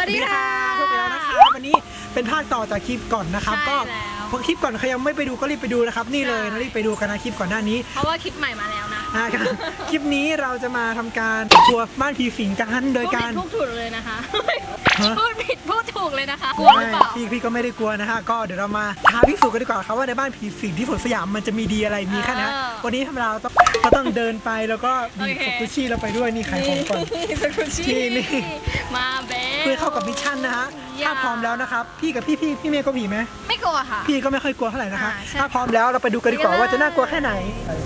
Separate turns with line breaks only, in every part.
วัสดีค่ะพวกเรานะคะวันนี้เป็นภาคต่อจากคลิปก่อนนะครับก็พวกคลิปก่อนใครยังไม่ไปดูก็รีบไปดูนะครับนี่เลยรีบไปดูกันนะคลิปก่อนหน้านี้
เพราะว่าคลิปใหม่มาแล้วนะ
คลิปนี้เราจะมาทำการทัวร์บ้านผีสิงกันโดยการ
พูดถูกเลยนะคะพูดผิดพูดถูกเลยนะคะกลัวหรือเปล่า
พี่ก็ไม่ได้กลัวนะฮะก็เดี๋ยวเรามาท้าพิสูจน์กันดีกว่าครับว่าในบ้านผีสิงที่สวนสยามมันจะมีดีอะไรมีแค่ไหนวันนี้เราต้องเดินไปแล้วก็มีสกุชี่เราไปด้วยนี่ขายของก่อน
สกุชี่นี่มาเบ๊
เพื่อเข้ากับมิชชั่นนะฮะถ้าพร้อมแล้วนะครับพี่กับพี่เมย์ก็ผีไหม
ไม่กลัวค่ะ
พี่ก็ไม่ค่อยกลัวเท่าไหร่นะคะถ้าพร้อมแล้วเราไปดูกันดีกว่าว่าจะน่ากลัวแค่ไหน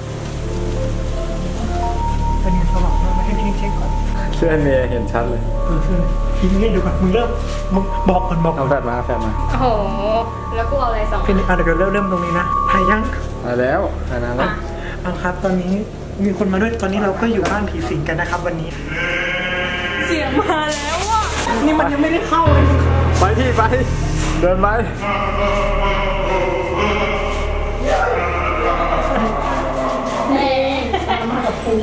เป็นไงสว่างมาให้พี่เช็คก่อน
เสื้อเมย์เห็นชัดเลย
พี่เมย์ดูก่อนมึงเริ่มบอกก่อน
เอาแฟนมา
โอ้โหแล้วกูเอาอะไรสอง
พี่เดี๋ยวเริ่มตรงนี้นะถ่ายยัง
มาแล้วถ่ายนานแล้ว
เอาครับตอนนี้มีคนมาด้วยตอนนี้เราก็อยู่บ้านผีสิงกันนะครับวันนี้
เสียงมาแล้วอ่ะ
นี่มันยังไม่ได้เข้าเลย
ไปที่ไปเดินไป
มากับปู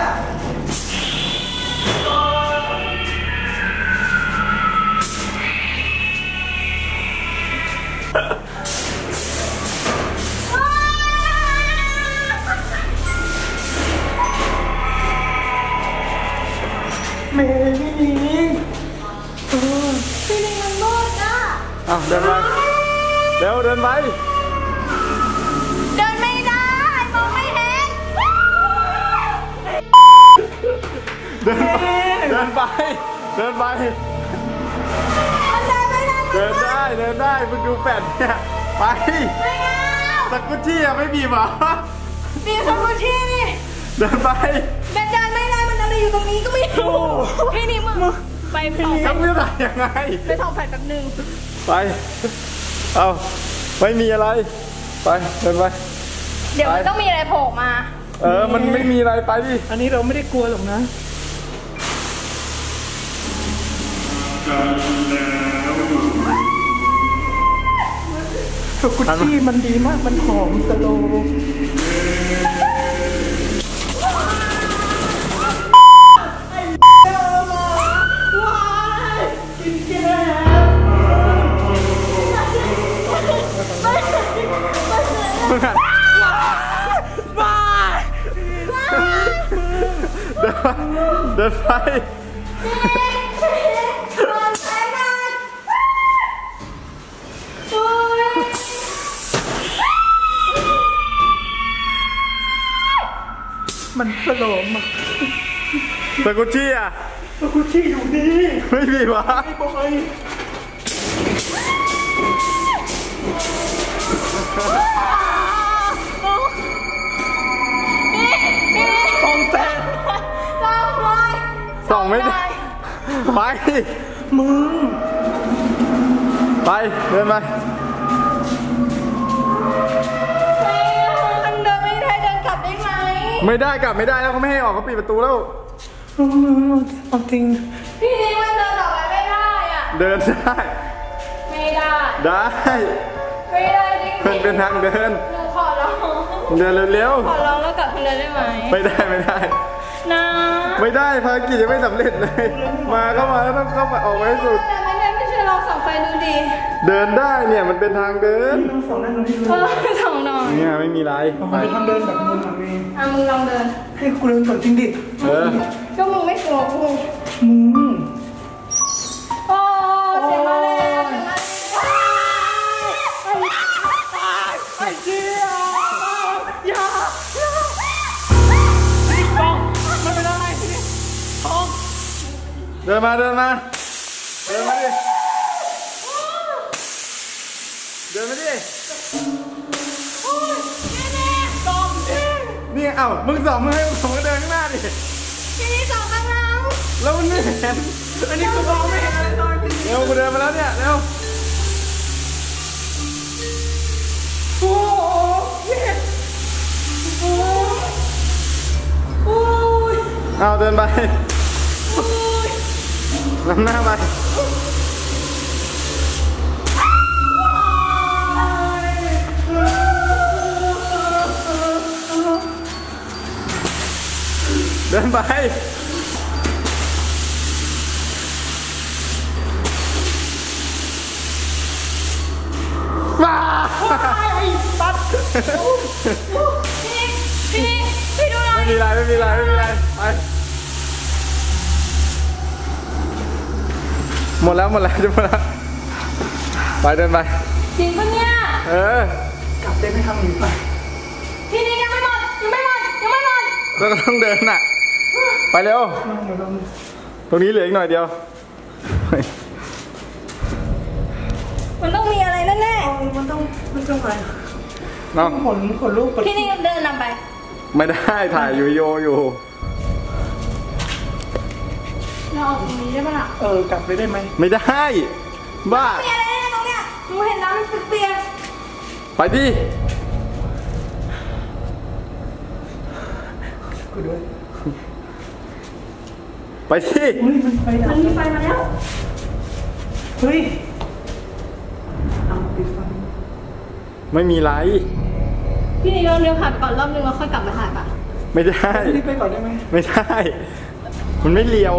เมย์พี่ลิง
พี่ลิงมันมืดอ่ะ
เดินไปเร็วเดินไป
เดินไม่ได้มองไม่เห็น
เดินไปเดินไปเดินได้มึงดูแฟนเนี่ยไป
ไม่เอา
สกุชชี่ไม่บีบหรอ
บีบสกุชชี่นี่
เดินไป
เดินไม่ได้มันอะไรอยู่ตรงนี้ก็ไม่รู้พี่นี่มึงไปส่อง
ทำเรื่องอะไรยังไง
ไปส่องไฟแป๊บนึง
ไปเอาไม่มีอะไรไปเดินไป
เดี๋ยวมันต้องมีอะไรโผล่มา
มันไม่มีอะไรไปดิ
อันนี้เราไม่ได้กลัวหรอกนะสกุชชี่มันดีมากมันหอมสโล
เดินไป
มันสโลมอ่ะ
สกุชชี่
สกุชชี่อยู่นี่
ไม่มีวะ
ไม่บอย
ส่องไม่ได้ไป
มึง
ไปเดินไป
มันเดินไม่ได้เดินกลับได้ไหม
ไม่ได้กลับไม่ได้แล้วเขาไม่ให้ออกเขาปิดประตูแล้ว
เอาจริง
พี่นี่มันเดินออกไปไม่ได้อ่ะ
เดินได้
ไม่ได้
ไม่
ได้จริง
มันเป็นทางเดิน
หนูขอร้อง
เดินเร็ว
ขอร้องแล้วกลับคนเดินได้ไหม
ไม่ได้
นะ
ไม่ได้ภารกิจยังไม่สำเร็จเลยมาเข้ามาแล้วต้องเข้าไปออกไว้ให้สุด
ไม่ใช่เราส่องไฟดูดี
เดินได้เนี่ยมันเป็นทางเดิน
ส่องได้เลย
ส่องหน่อย
เนี่ยไม่มีไร
ไปทำเดินแบบมึงเอง
มึงลองเดิน
ให้กูเดินก่อนจริงดิ
ก็มึงไม่กลัวกู
มึง
โอ้เสียงมาแล้ว
ไอ้เจี๊ยอย่ามันเป็นอะไรท้อง
เดินมาดิเดินมาดินี่เอ้ามึงสองมึงให้ผมก็เดินข้างหน้าดิ
พี่นี่สองข้างหลัง
แล้วมันไม่เห็น
อันนี้กูมองไม่เห็นอะไรตอนนี้
เร็วกูเดินมาแล้วเนี่ยเร็ว
โอ้ย
เอาเดินไปนำหน้าไปเดินไปว้า
ไอ้ตัด
พี่ดูหน่อย
ไม่มีไรไปหมดแล้วจะหมดแล้วไปเดินไป
จริงปะเนี่ย
กลับได้ไม่ทำหนีไป
พี่นิกยังไม่หมด
แล้วก็ต้องเดินน่ะไปเร็วตรงนี้เหลืออีกหน่อยเดียว
มันต้องมีอะไรแน่
มันต้องไป
น้อง
ขนลูก
ๆพี่นิกเดินนำไป
ไม่ได้ถ่ายอยู่อยู่
เราออกตรงนี้ได้ปะล่ะ
กลับไปได้ไหม
ไม่ได้บ้า
มีอะไรแน่ๆตรงเนี้ยหนูเห็นน้ำมันเปียก
ไปดิ
กูด้วย
ไปดิ
มันไฟดับ
มันมีไฟมาแล้ว
เฮ้ยเอาปิดไฟ
ไม่มีไร
พี่นิกเราเดินผ่านก่อนรอบนึงแล้วค่อยกลับมาถ่ายปะ
ไม่ได้
รีบไปก่อนได้ไหม
ไม่ได้ มันไม่เลียว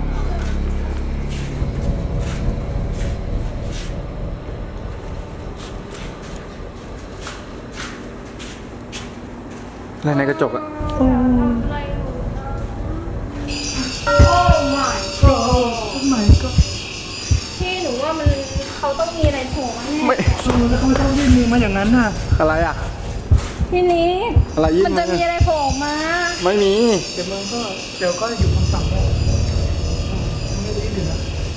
อะไรในกระจกอะ
อะไรอยู่โอ้ my god
ไม่ก็
พี่หนูว่าเขาต้องมีอะไรโผล่มาแน่
ไม่
แล้วเขาไม่ต้องยื่นมือมาอย่างนั้นน่ะ
อะไรอะ
พี่นิก
อะไรยิ่ง
มันจะมีอะไรโผล่มา
ไม่มี
เดี๋ยวก็อยู่คำสั่งแล้วไม่ได้ยินนะ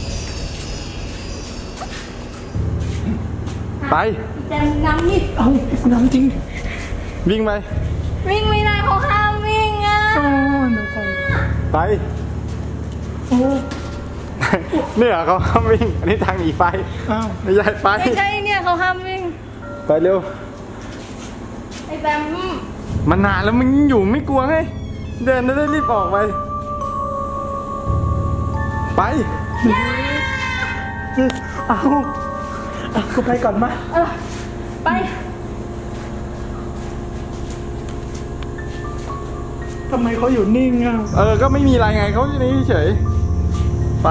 ไป
แต่น้ำนี่
เอาน้ำจริง
วิ่งไป
วิ่งไม่ได้เขาห้ามวิ่งอ่ะ
อ๋อเดี๋ยวก่อน
ไป
โอ้
เนี่ยเขาห้ามวิ่ง อันนี้ทางหนีไฟ
อ้าว
ไม่ใช่ไป
ไม่ใช่เนี่ยเขาห้ามวิ่ง
ไปเร็ว
ไอ้แบม
มันนานแล้วมึงอยู่ไม่กลัวไง เดินได้รีบออกไป ไป
เอากูไปก่อนมา
ไป
ทำไมเขาอยู่นิ่งอ่ะ
ก็ไม่มีอะไรไงเขาอยู่นี่เฉย ไป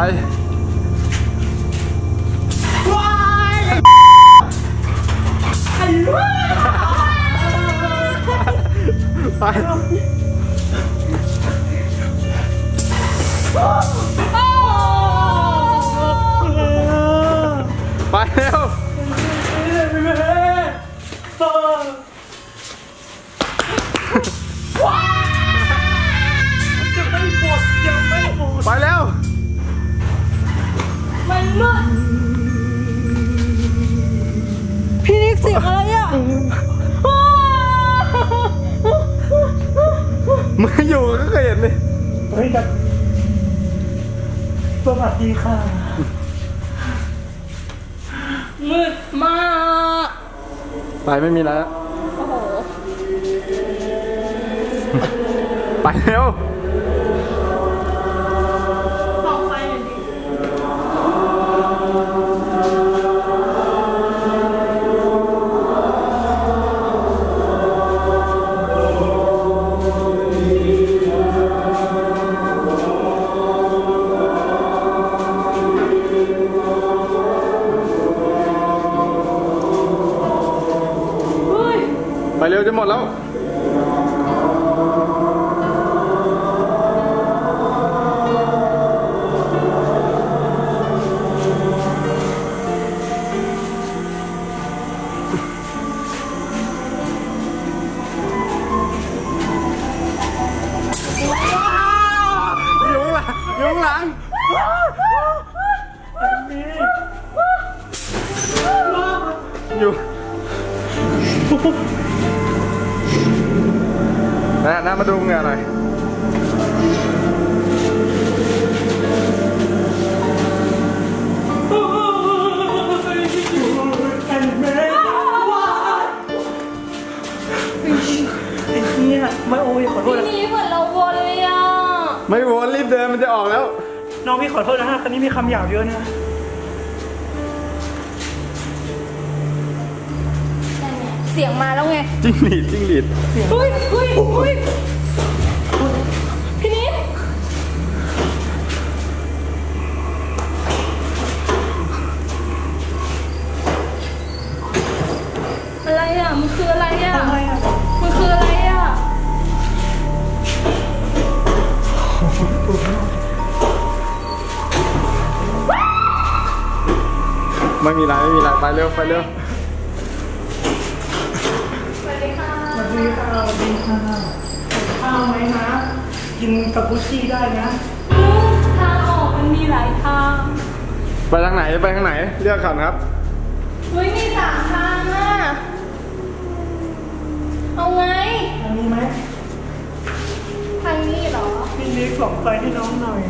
ไป ไปเร็ว
จะไม่หมดยังไม่หมด
ไปเร็ว
มันมืดพี่นิกเสียงอะไรอ่ะ
มึงอยู่ก็เคยเห็นเลย
เฮ้ยแบบสวัสดีค่ะ
มืดมาก
ไปไม่มีแล้ว
โอ้โห
ไปเร็ว
ส่องไฟหน่อยดิ
ไปเร็วจะหมดแล้ว อยู่ข้างหลังอยู่น่ามาดูเงือหน่อย
ไม่โอ้ยขอโทษนะ
พี่นิกเหมือนเราวนเลยอ่ะ
ไม่วนรีบเดินมันจะออกแล้ว
น้องพี่ขอโทษนะฮะคันนี้มีคำหยาบเยอะนะ
เสียงมาแล้วไง
จิ้งหรีด
เฮ้ยพี่นิด
ไม่มีไรไปเร็ว
สวัสดีค่ะ
สวัสดีค่ะข้าวไหมนะกินกับกุชชี่ได้นะ
ทางออกมันมีหลายทาง
ไปทางไหนเลือกก่อนครับ
เฮ้ยมี3 ทางอ่ะเอาไง
อันนี้ไหม
ทางนี้เหรอ
พี่เล็กส่องไฟให้น้องหน่อย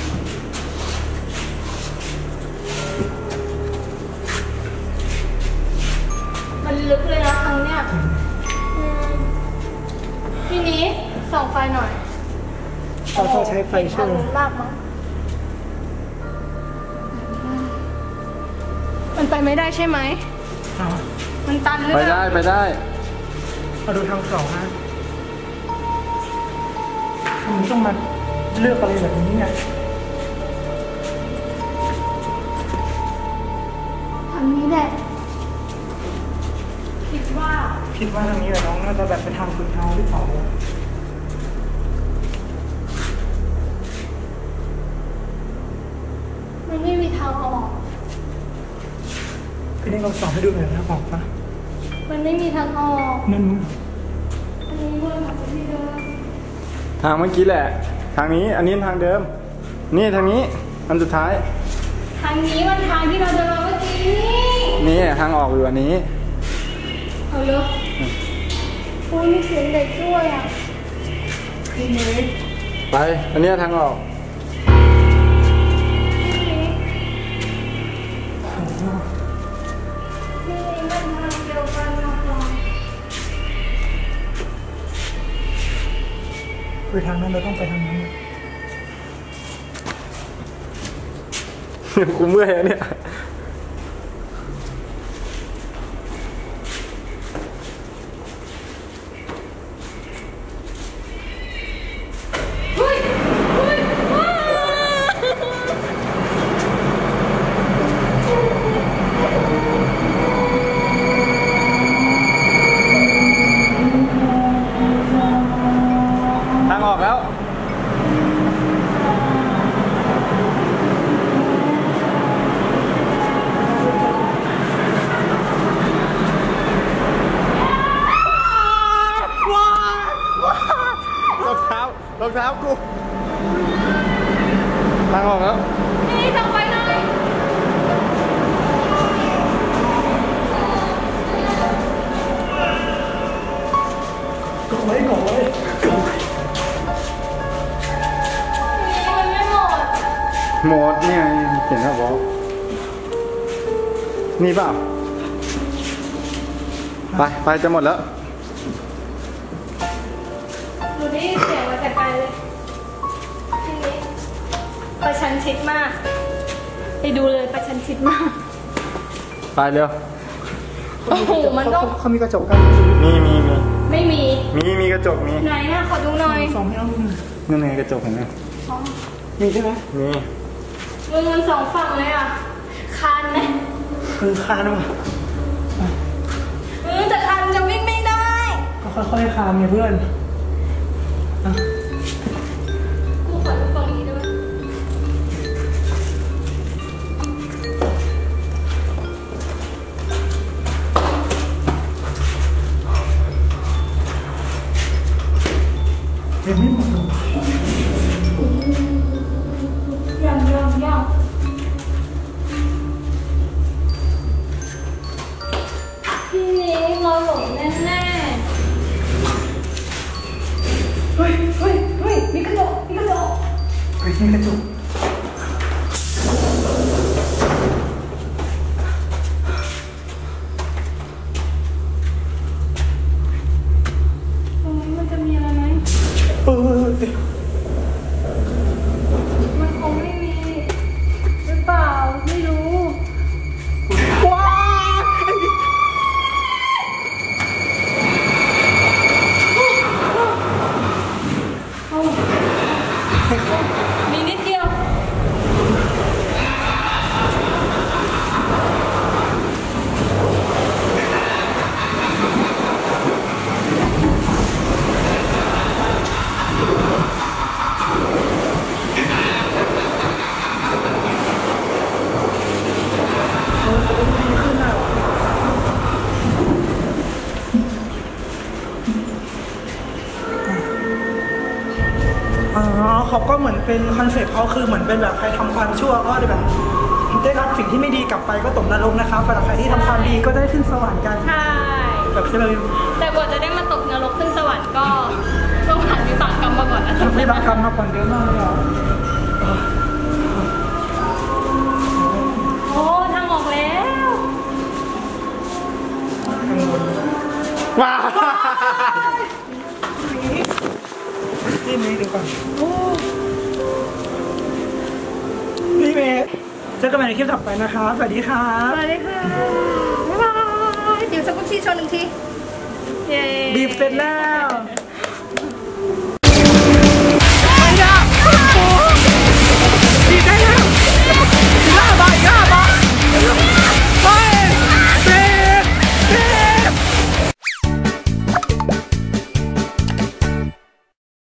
มันลึกเลยนะทางเนี้ยพี่นี้ส่องไฟหน่อย
เราต้องใช้ไฟช่วย
ลากมั้งมันไปไม่ได้ใช่ไหม
เอา
มันตันหรือ
ไป
เปล่า
ได้
เอาดูทางสองนะทำไมต้องมาเลือกอะไรแบบนี้เนี่ย
ทางนี้แหละคิดว่า
คิดว่าทางนี้แหละน้องน่าจะแบบเป็นทางสุดท้ายหรือเปล่า
มันไม่มีทางออก
พี่เล็กเราส่องให้ดูหน่อยนะบอกปะ
มันไม่มีทางออก
นั่น
อันนี้วนกลับไปที่เดิม
ทางเมื่อกี้แหละ ทางนี้อันนี้ทางเดิม นี่ทางนี้อันสุดท้าย
ทางนี้มันทางที่เราเดินมาเมื่อกี้
นี่ทางออกอยู่อันนี้
เอาเลยอุ้ยมีเสียงเด็กด้วยอ่ะ
พี่เล็ก
ไปอันนี้ทางออก
นี่มันทางเดียวกันนะคะ
ไปทางนั้นเราต้องไปทางนั้น
กูเมื่อยแล้วเนี่ย
เฮ้ยเฮ้ยว้า
ทางออกแล้ว รองเท้ากู ทางออกแล้ว
นี่ส่องไฟหน่อย
ก็ไว้
นี่มันไม่หมด
หมดนี่ไงเห็นแล้วบอกนี่เปล่า ไปจะหมดแล้ว
หนูได้ยินเสียงมาแต่ไกลเลยทีนี้ประชันชิดมาก ไปดูเลยประชันชิดมาก
ไปเร็ว
โอ้โห มันต้อง
เขามีกระจกกัน
ไม่มี
มีกระจกมี
ไหนอะขอดูหน่อย
ส่องให้น้องดูหน่อย
นั่นไงกระจกเห็นไหม
อ๋อ
มีใช่ไหม
มี
มัน2 ฝั่งเลยอะคานไหม
คือคานว่ะ
แต่คานจะวิ่งไม่ได้
ก็ค่อยๆคานไงเพื่อนอ่ะ
กูขอดูฝั่งนี้ได้ไหม
เดี๋ยวไม่หมดหรอก
ยังพี่นี้เราหลงแน่
เฮ้ย
ๆมีกระจก
มีกระจก
ตรงนี้มันจะมีอะไรไหม
เดี๋ยว
มันคงไม่มีหรือเปล่าไม่รู้
ว้า
มีนิดเดียว
อ๋อเขาก็เหมือนเป็นคอนเซ็ปต์เขาคือเหมือนเป็นแบบใครทำความชั่วก็ได้แบบได้รับสิ่งที่ไม่ดีกลับไปก็ตกนรกนะคะสำหรับใครที่ทำความดีก็ได้ขึ้นสวรรค์กัน
ใช่
แบบใช่ไหม
แต่กว่าจะได้มาตกนรกขึ้นสวรรค์ก็ต้องผ่านวิบากกรรมมาก่อนนะ
ทำให้บาปกรรมมาก่อนเยอะมากเลยอ่ะ
โอ้ทางออกแล้ว
ว้า
นี่เมย์ดูก่อนนี่เมย์เจอกันใหม่ในคลิปต่อไปนะคะสวัสดีค่ะ
สวัสดีค่ะบ๊ายบายเดี๋ยวสกุชชี่โชว์หนึ่งทีเย้
บีบเสร็จแล้ว